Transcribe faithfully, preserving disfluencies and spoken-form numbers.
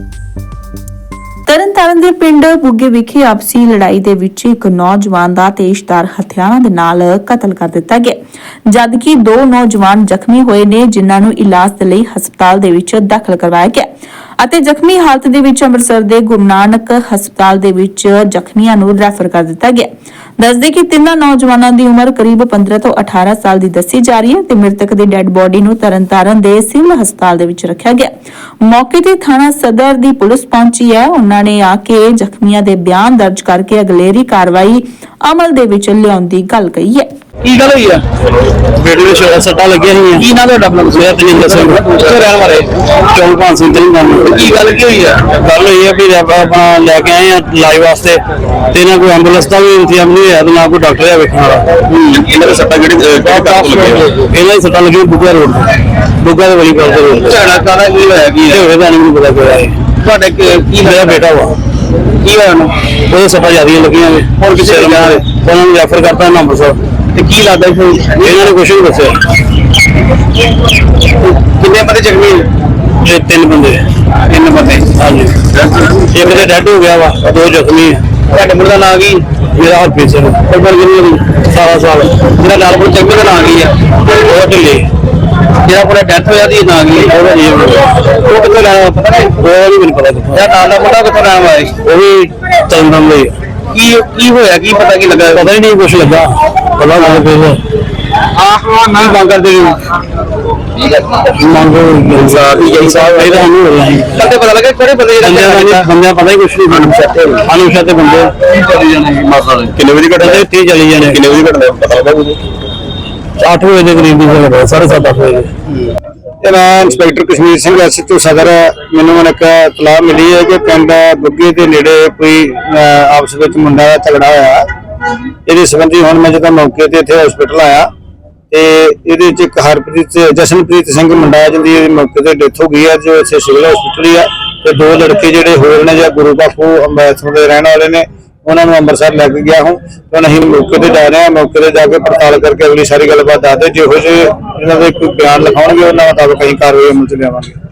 ਤਰਨਤਾਰਨ ਦੇ ਪਿੰਡ ਬੁੱਗੇ ਵਿਖੇ ਆਪਸੀ ਲੜਾਈ ਦੇ ਵਿੱਚ ਇੱਕ ਨੌਜਵਾਨ ਦਾ ਤੇਜ਼ਧਾਰ ਹਥਿਆਰਾਂ ਦੇ ਨਾਲ ਕਤਲ ਕਰ ਦਿੱਤਾ ਗਿਆ, ਜਦਕਿ ਦੋ ਨੌਜਵਾਨ ਜ਼ਖਮੀ ਹੋਏ ਨੇ, ਜਿਨ੍ਹਾਂ ਨੂੰ ਇਲਾਜ ਦੇ ਲਈ ਹਸਪਤਾਲ ਦੇ ਵਿੱਚ ਦਾਖਲ ਕਰਵਾਇਆ ਗਿਆ ਅਤੇ ਜ਼ਖਮੀ ਹਾਲਤ ਦੇ ਵਿੱਚ ਅੰਮ੍ਰਿਤਸਰ ਦੇ ਗੁਰੂ ਨਾਨਕ ਹਸਪਤਾਲ ਦੇ ਵਿੱਚ ਜ਼ਖਮੀਆਂ ਨੂੰ ਰੈਫਰ ਕਰ ਦਿੱਤਾ ਗਿਆ। ਦੱਸਦੇ ਕਿ ਤਿੰਨਾਂ ਨੌਜਵਾਨਾਂ ਦੀ ਉਮਰ ਕਰੀਬ ਪੰਦਰਾਂ ਤੋਂ ਅਠਾਰਾਂ ਸਾਲ ਦੀ ਦੱਸੀ ਜਾ ਰਹੀ ਹੈ ਤੇ ਮ੍ਰਿਤਕ ਦੀ ਡੈੱਡ ਬੋਡੀ ਨੂੰ ਤਰਨਤਾਰਨ ਦੇ ਸਿਵਲ ਹਸਪਤਾਲ ਦੇ ਵਿੱਚ ਰੱਖਿਆ ਗਿਆ। ਮੌਕੇ ਤੇ ਥਾਣਾ ਸਦਰ ਦੀ ਪੁਲਿਸ ਪਹੁੰਚੀ ਹੈ। ਉਹਨਾਂ ਨੇ ਆ ਕੇ ਜ਼ਖਮੀਆਂ ਦੇ ਬਿਆਨ ਦਰਜ ਕਰਕੇ ਅਗਲੇਰੀ ਕਾਰਵਾਈ ਅਮਲ ਦੇ ਵਿੱਚ ਲਿਆਉਣ ਦੀ ਗੱਲ ਕਹੀ ਹੈ। ਕੀ ਗੱਲ ਹੋਈ ਆ? ਬੇਟੇ ਦੇ ਸ਼ੋਰ ਸੱਟਾਂ ਲੱਗੀਆਂ ਹੋਈਆਂ। ਕੀ ਨਾਂ ਤੁਹਾਡਾ? ਆਪਣਾ ਮੇਰਾ ਤਜਿੰਦਰ ਸਿੰਘ। ਕਿੱਥੇ ਰਹਿਣ ਵਾਲੇ? ਚੌਂਕ ਪੰਜ ਸਿੰਘ ਤਰੀਕ ਨਾਲ। ਕੀ ਗੱਲ ਕੀ ਹੋਈ ਆ? ਗੱਲ ਹੋਈ ਹੈ ਵੀ ਆਪਾਂ ਲੈ ਕੇ ਆਏ ਆ ਇਲਾਜ ਵਾਸਤੇ ਤੇ ਨਾ ਕੋਈ ਐਂਬੂਲੈਂਸ ਦਾ ਵੀ ਇੰਤਜ਼ਾਮ ਨਹੀਂ ਹੋਇਆ ਤੇ ਨਾ ਕੋਈ ਡਾਕਟਰ ਹੈ ਵੇਖਣ ਵਾਲਾ। ਇਹਨਾਂ ਦੇ ਸੱਟਾਂ ਕਿਹੜੀ ਇਹਨਾਂ ਦੀ ਸੱਟਾਂ ਲੱਗੀਆਂ ਬੁੱਗਾ ਰੋਡ ਤੇ, ਬੁੱਗਾ ਦੇ ਵਲੀ ਕਾਲ ਤੇ। ਝਗੜਾ ਕਾਹਦਾ ਕੀ ਹੋਇਆ? ਕੀ ਇਹ ਹੋਵੇ ਤਾਂ ਨਹੀਂ ਪਤਾ ਕਿਹੜਾ ਹੈ। ਤੁਹਾਡੇ ਕੀ ਮੇਰਾ ਬੇਟਾ ਵਾ, ਕੀ ਹੋਇਆ ਉਹਨੂੰ? ਉਹਦੇ ਸੱਟਾਂ ਜ਼ਿਆਦੀਆਂ ਲੱਗੀਆਂ ਨੇ। ਹੁਣ ਕਿਸੇ ਨੇ ਕਿਹਾ ਉਹਨਾਂ ਨੂੰ ਰੈਫਰ ਕਰਤਾ ਅੰਮ੍ਰਿਤਸਰ। ਤੇ ਕੀ ਲੱਗਦਾ ਸੀ ਇਹਨਾਂ ਨੇ ਕੁਛ ਨਹੀਂ ਦੱਸਿਆ। ਕਿੰਨੇ ਬੰਦੇ ਜ਼ਖਮੀ? ਇਹ ਤਿੰਨ ਬੰਦੇ। ਤਿੰਨ ਬੰਦੇ। ਹਾਂਜੀ, ਇੱਕ ਤੇ ਡੈਡ ਹੋ ਗਿਆ ਵਾ, ਦੋ ਜ਼ਖਮੀ ਆ। ਤੁਹਾਡੇ ਮੁੰਡੇ ਦਾ ਨਾਂ ਕੀ? ਮੇਰਾ ਹਰਪ੍ਰੀਤ ਸਿੰਘ। ਉਮਰ ਕਿੰਨੀ ਉਹਦੀ? ਸਤਾਰਾਂ ਸਾਲ। ਜਿਹੜਾ ਲਾਲਪੁਰ ਜ਼ਖਮੀ ਦਾ ਨਾਂ ਕੀ ਆ? ਉਹ ਢਿੱਲੇ। ਜਿਹੜਾ ਪੂਰਾ ਡੈਥ ਹੋਇਆ ਦੀ ਨਾਂ ਕੀ ਆ? ਉਹਦਾ ਜੀ ਉਹ ਉਹ ਕਿੱਥੋਂ ਲੈਣਾ ਪਤਾ ਨਹੀਂ? ਵੀ ਮੈਨੂੰ ਪਤਾ ਕਿੱਥੋਂ। ਜਿਹੜਾ ਨਾਲ ਦਾ ਮੁੰਡਾ ਕਿੱਥੋਂ ਲੈਣ ਵਾਲਾ ਸੀ? ਉਹ ਵੀ ਤੰਦਮ ਲਈ। ਕੀ ਕੀ ਹੋਇਆ? ਕੀ ਪਤਾ ਕੀ ਲੱਗਾ? ਪਤਾ ਹੀ ਨਹੀਂ ਕੁਛ ਲੱਗਾ। ਪਤਾ ਲੱਗ ਪਿਆ ਆਹ ਨਾ ਮੰਗ ਕਰਦੇ ਨੇ। ਮੰਗੋ ਇਨਸਾਫ ਹੀ ਇਨਸਾਫ ਇਹ ਤਾਂ ਨਹੀਂ ਹੋ ਰਿਹਾ ਹੈ। ਕਦੇ ਪਤਾ ਲੱਗਾ ਕਿਹੜੇ ਬੰਦੇ ਬੰਦਿਆਂ ਦਾ ਨਹੀਂ, ਬੰਦਿਆਂ ਪਤਾ ਹੀ ਕੁਛ ਨਹੀਂ। ਅਨੁਸ਼ਾ ਤੇ ਬੰਦੇ ਚੱਲੀ ਜਾਣੇ ਮਾਸਾ ਦੇ। ਕਿੰਨੇ ਵਜੇ ਘਟਦੇ? ਤੀਹ ਚਲੀ ਜਾਣੇ। ਕਿੰਨੇ ਵਜੇ ਘਟਦੇ ਪਤਾ ਲੱਗਾ ਕੁਝ? ਅੱਠ ਵਜੇ ਦੇ ਕਰੀਬ ਦੀ ਜਗ੍ਹਾ, ਸਾਢੇ ਸੱਤ ਅੱਠ ਵਜੇ। ਤੇ ਮੈਂ ਇੰਸਪੈਕਟਰ ਕਸ਼ਮੀਰ ਸਿੰਘ ਐਸਐਚਓ ਸਦਰ। ਮੈਨੂੰ ਹੁਣ ਇੱਕ ਇਤਲਾਹ ਮਿਲੀ ਹੈ ਕਿ ਪਿੰਡ ਬੁੱਗੇ ਦੇ ਨੇੜੇ ਕੋਈ ਆਪਸ ਵਿੱਚ ਮੁੰਡਾ ਦਾ ਝਗੜਾ ਹੋਇਆ। ਇਹਦੇ ਸੰਬੰਧੀ ਹੁਣ ਮੈਂ ਜਦੋਂ ਮੌਕੇ ਤੇ ਇੱਥੇ ਹਸਪੀਟਲ ਆਇਆ ਤੇ ਇਹਦੇ ਵਿੱਚ ਇੱਕ ਹਰਪ੍ਰੀਤ ਜਸ਼ਨਪ੍ਰੀਤ ਸਿੰਘ ਮੁੰਡਾ ਜਿਹਦੀ ਮੌਕੇ ਤੇ ਡੈਥ ਹੋ ਗਈ ਹੈ, ਜੋ ਇੱਥੇ ਸਿਵਲ ਹਸਪੀਟਲ ਹੀ ਆ। ਤੇ ਦੋ ਲੜਕੇ ਜਿਹੜੇ ਹੋਰ ਨੇ ਜਾਂ ਗੁਰੂ ਬਾਪੂ ਅੰਮ੍ਰਿਤਸਰ ਦੇ ਰਹਿਣ ਵਾਲੇ ਨੇ, ਉਹਨਾਂ ਨੂੰ ਅੰਮ੍ਰਿਤਸਰ ਲੈ ਕੇ ਗਿਆ ਹੂੰ। ਹੁਣ ਅਸੀਂ ਮੌਕੇ ਤੇ ਜਾ ਰਹੇ ਹਾਂ। ਮੌਕੇ ਤੇ ਜਾ ਕੇ ਪੜਤਾਲ ਕਰਕੇ ਅਗਲੀ ਸਾਰੀ ਗੱਲਬਾਤ ਦੱਸਦੇ। ਜਿਹੋ ਜਿਹੇ ਇਹਨਾਂ ਦੇ ਕੋਈ ਬਿਆਨ ਲਿਖਾਉਣਗੇ ਉਹਨਾਂ ਮੁਤਾਬਕ ਅਸੀਂ ਕਾਰਵਾਈ ਅਮਲ ਚ ਲਿਆਵਾਂਗੇ।